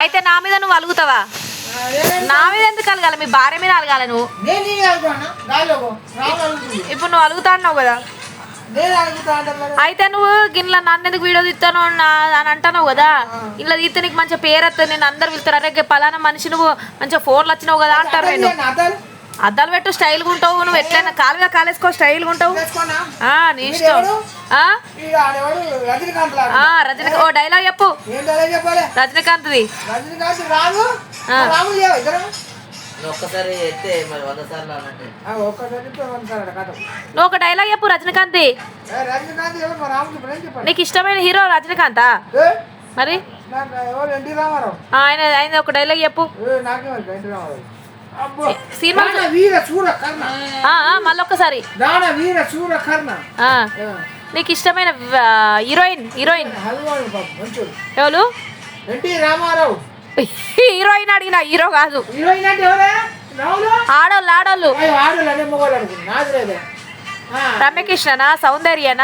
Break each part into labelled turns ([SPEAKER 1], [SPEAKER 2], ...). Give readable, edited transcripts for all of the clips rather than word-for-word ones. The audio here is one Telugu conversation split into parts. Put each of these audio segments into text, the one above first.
[SPEAKER 1] అయితే నా మీద నువ్వు అలుగుతావా? నా మీద ఎందుకు అలగాలి? మీ భార్య మీద అలగాలి నువ్వు. ఇప్పుడు నువ్వు అలుగుతా అన్నావు కదా, అయితే నువ్వు గిన్నెల నన్ను ఎందుకు వీడియో తీస్తాను అని అంటున్నావు కదా. ఇలా తీస్తే నీకు మంచిగా పేరు వస్తుంది, నేను అందరు వెళ్తారు, అరే పలానా మనిషి నువ్వు మంచిగా ఫోన్లు వచ్చినావు కదా అంటారు. నేను అద్దాలు పెట్టు, స్టైల్గా ఉంటావు నువ్వు, ఎట్లయినా కాలుగా కాలేసుకో, స్టైల్గా ఉంటావు. నీ ఇష్టం. రజనీకాంత్ ఓ డైలాగ్ చెప్పు, రజనీకాంత్ది. నువ్వు ఒక డైలాగ్ చెప్పు రజనీకాంత్. నీకు ఇష్టమైన హీరో రజనీకాంతా? మరి ఆయన ఆయన ఒక డైలాగ్ చెప్పు. సినిమా మళ్ళొక్కసారి. నీకు ఇష్టమైన హీరోయిన్ ఎవరు? హీరోయిన్ అడిగిన, హీరో కాదు. ఆడోళ్ళు రమ్యకృష్ణనా, సౌందర్యనా?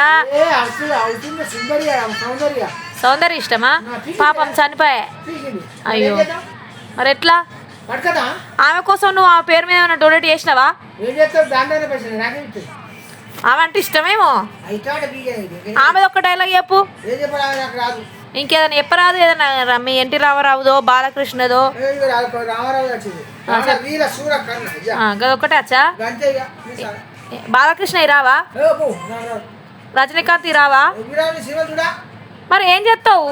[SPEAKER 1] సౌందర్య ఇష్టమా? పాపం చనిపోయా. అయ్యో మరి ఎట్లా? ఆమె కోసం నువ్వు ఆ పేరు మీద ఏమైనా డొనేట్ చేసినావా? ఆమె అంటే ఇష్టమేమో. ఆమె ఒక్క డైలాగ్ చెప్పు. ఇంకేదైనా చెప్పరాదు, ఏదైనా మీ ఎన్టీ రామారావుదో బాలకృష్ణదో. అదొక్కటే వచ్చా? బాలకృష్ణ రావా? రజనీకాంత్ రావా? మరి ఏం చేస్తావు?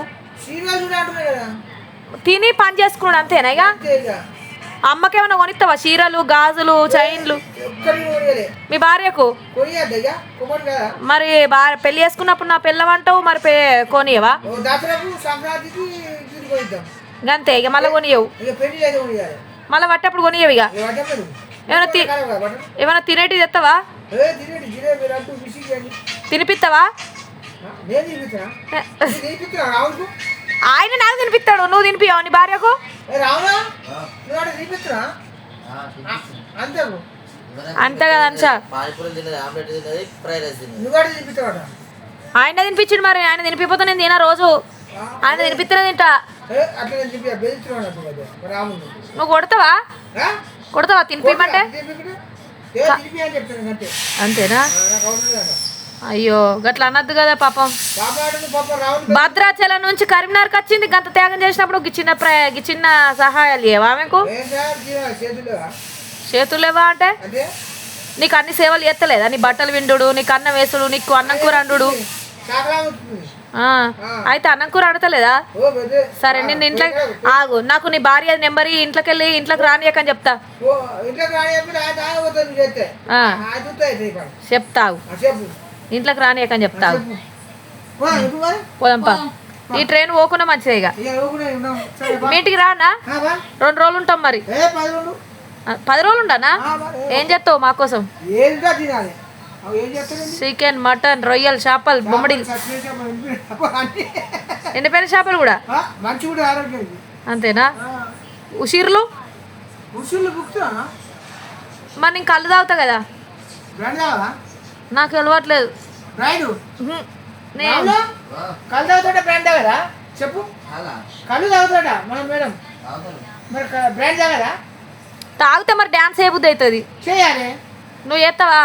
[SPEAKER 1] తిని పని చేసుకున్నాడు అంతేనా? ఇక అమ్మకేమైనా కొనిస్తావా? చీరలు, గాజులు, చైన్లు మీ భార్యకు? మరి పెళ్లి చేసుకున్నప్పుడు నా పిల్లవంటావు, మరి కొనియవా? అంతే ఇక, మళ్ళీ కొనియవు. మళ్ళీ పట్టేప్పుడు కొనియవు. ఇక ఏమైనా తినేటి తెస్తావా? తినిపిస్తావా? ఆయన నాకు తినిపిస్తాడు, నువ్వు తినిపియావు నీ భార్యకు? అంతే కదా అంశ. ఆయన తినిపించాడు, మరి ఆయన తినిపిపోతే నేను తినా రోజు. ఆయన తినిపిస్తేనే తింటా. నువ్వు కొడతావా తినిపిమంటే? అంతేనా? అయ్యో గట్లా అనద్దు కదా పాపం. భద్రాచలం నుంచి కరీంనగర్కి వచ్చింది, గంత త్యాగం చేసినప్పుడు చిన్న సహాయాలు ఇవ్వవా ఆమెకు? చేతులు లేవా అంటే నీకు అన్ని సేవలు ఎత్తలేదా? నీ బట్టలు విండు, నీకు అన్నం వేసుడు, నీకు అన్నం కూర అండు. అయితే అన్నం కూర అడతలేదా? సరే నేను ఇంట్లో ఆగు, నాకు నీ భార్య నెంబర్ ఇంట్లోకి వెళ్ళి ఇంట్లోకి రానియకని చెప్తా. చెప్తావు ఇంట్లోకి రానియకని చెప్తావు. పోదాంపా, ఈ ట్రైన్ పోకుండా మంచిదే. ఇక మీ ఇంటికి రానా? 2 రోజులు ఉంటాం. మరి 10 రోజులు ఉండనా? ఏం చేస్తావు మా కోసం? చికెన్, మటన్, రొయ్యలు, చేపలు, బొమ్మడి, ఎండిపోయిన చేపలు కూడా అంతేనా? ఉసిర్లు మరి నేను కళ్ళు తాగుతా కదా, నాకు అలవాట్లేదు. తాగితే మరి డ్యాన్స్ ఏ బుద్ధి అవుతుంది? నువ్వు చేస్తావా?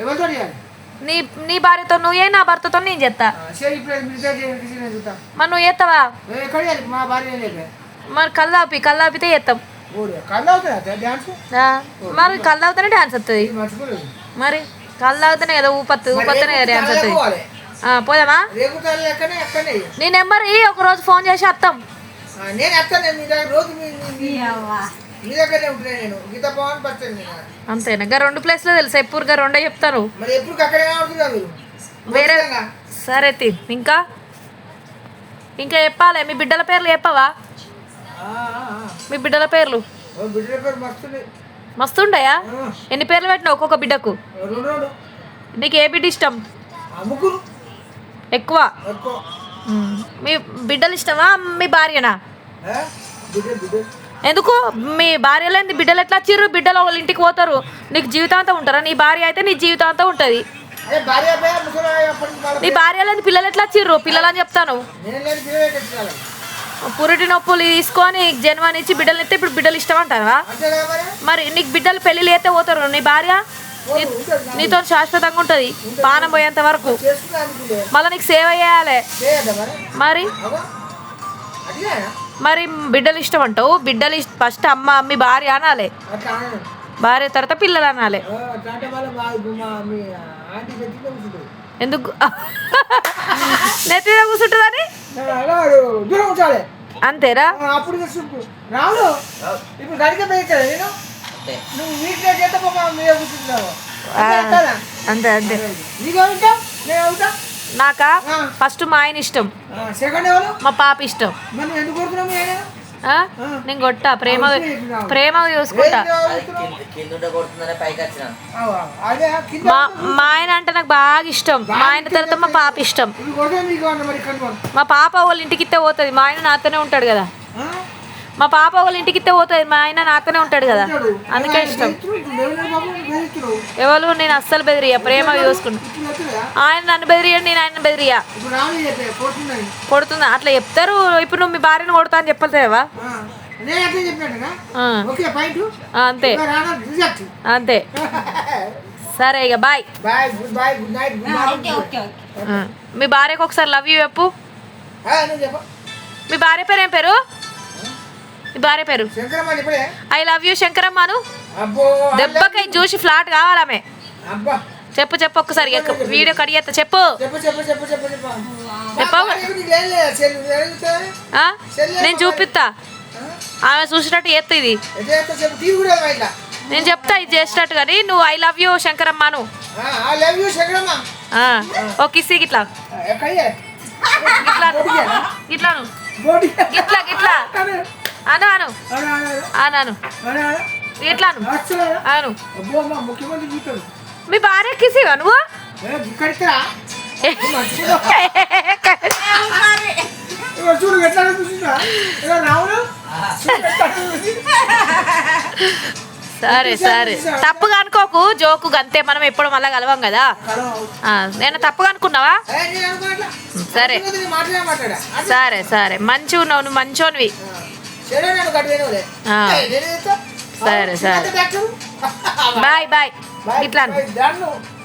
[SPEAKER 1] నీ భార్యతో నువ్వు ఏ, నా భర్తతో నేను చేస్తా. మరి నువ్వు చేస్తావా? మరి కళ్ళు తాపితే చేస్తాం. మరి కళ్ళు తాగుతానే డ్యాన్స్ వస్తుంది. మరి కళ్ళు తాగుతానే కదా ఊపత్తనే డ్యాన్స్ వస్తుంది. పోదామా? నీ నెంబర్ ఒక రోజు ఫోన్ చేసి వస్తాం. అంతేనా? 2 ప్లేస్లో తెలుసా? ఎప్పుడు 2 చెప్తాను వేరే. సరే ఇంకా చెప్పాలి. మీ బిడ్డల పేర్లు చెప్పవా? మీ బిడ్డల పేర్లు మస్తుండయా? ఎన్ని పేర్లు పెట్టినావు ఒక్కొక్క బిడ్డకు? నీకు ఏ బిడ్డ ఇష్టం ఎక్కువ? మీ బిడ్డలు ఇష్టమా మీ భార్యనా? ఎందుకు మీ భార్య లేని బిడ్డలు ఎట్లా వచ్చిర్రు? బిడ్డలు వాళ్ళ ఇంటికి పోతారు, నీకు జీవితాంతం ఉంటారా? నీ భార్య అయితే నీ జీవితాంతం ఉంటుంది. నీ భార్య లేని పిల్లలు ఎట్లా వచ్చిర్రు? పిల్లలు అని చెప్తాను. పురిటి నొప్పులు తీసుకొని జన్మనిచ్చి బిడ్డలు ఎత్తే ఇప్పుడు బిడ్డలు ఇష్టం అంటారా? మరి నీకు బిడ్డలు పెళ్ళిళ్ళు అయితే పోతారు, నీ భార్య నీతో శాశ్వతంగా ఉంటుంది పానం పోయేంత వరకు. మళ్ళీ నీకు సేవ చేయాలి. మరి మరి బిడ్డలు ఇష్టం అంటావు. బిడ్డలు ఫస్ట్ అమ్మ అమ్మి భార్య అనాలి, భార్య తర్వాత పిల్లలు అనాలి. ఎందుకు నెత్తిగా కూర్చుంటుందని అంతేరా? అంతే అంతే. నాకా ఫస్ట్ మా ఆయన ఇష్టం, మా పాప ఇష్టం. నేను కొట్టా ప్రేమ చూసుకుంటా. మా ఆయన అంటే నాకు బాగా ఇష్టం. మా ఆయన తర్వాత మా పాప ఇష్టం. మా పాప వాళ్ళ ఇంటికి ఇస్తే పోతుంది, మా ఆయన నాతోనే ఉంటాడు కదా. మా పాప వాళ్ళ ఇంటికి ఇస్తే పోతుంది, మా ఆయన నాతోనే ఉంటాడు కదా, అందుకే ఇష్టం. ఎవరు నేను అస్సలు బెదిరియా, ప్రేమ చూసుకుంటా. ఆయన నన్ను బెదిరియా, నేను ఆయన బెదిరియా. కొడుతుందా అట్లా చెప్తారు. ఇప్పుడు నువ్వు మీ భార్యను కొడతా అని చెప్పలేవా? అంతే అంతే. సరే ఇక బాయ్. మీ భార్యకు ఒకసారి లవ్ యూ చెప్పు. మీ భార్య పేరు ఏం పేరు? మీ భార్య పేరు ఐ లవ్ యూ శంకరమ్మను. దెబ్బకై చూసి ఫ్లాట్ కావాలమే. చెప్పు చెప్పు ఒక్కసారి వీడియో కడిగేస్తా. చెప్పు నేను చూపిస్తా, ఆమె చూసినట్టు చేస్తా. ఇది నేను చెప్తా, ఇది చేసినట్టు. కానీ నువ్వు ఐ లవ్ యూ శంకరమ్మను. ఓ కిసి గిట్లా గిట్లా గిట్లాను గిట్లా గిట్లా అను అను అను ఎట్లాను అను. మీ భార్య కిసివా నువ్వు? సరే సరే, తప్పుగా అనుకోకు, జోకు అంతే. మనం ఎప్పుడు మళ్ళా కలవం కదా. నేను తప్పుగా అనుకున్నావా? సరే సరే సరే, మంచిగా ఉన్నావు నువ్వు, మంచోనివి. సరే సరే, బాయ్ బాయ్. ఇట్లా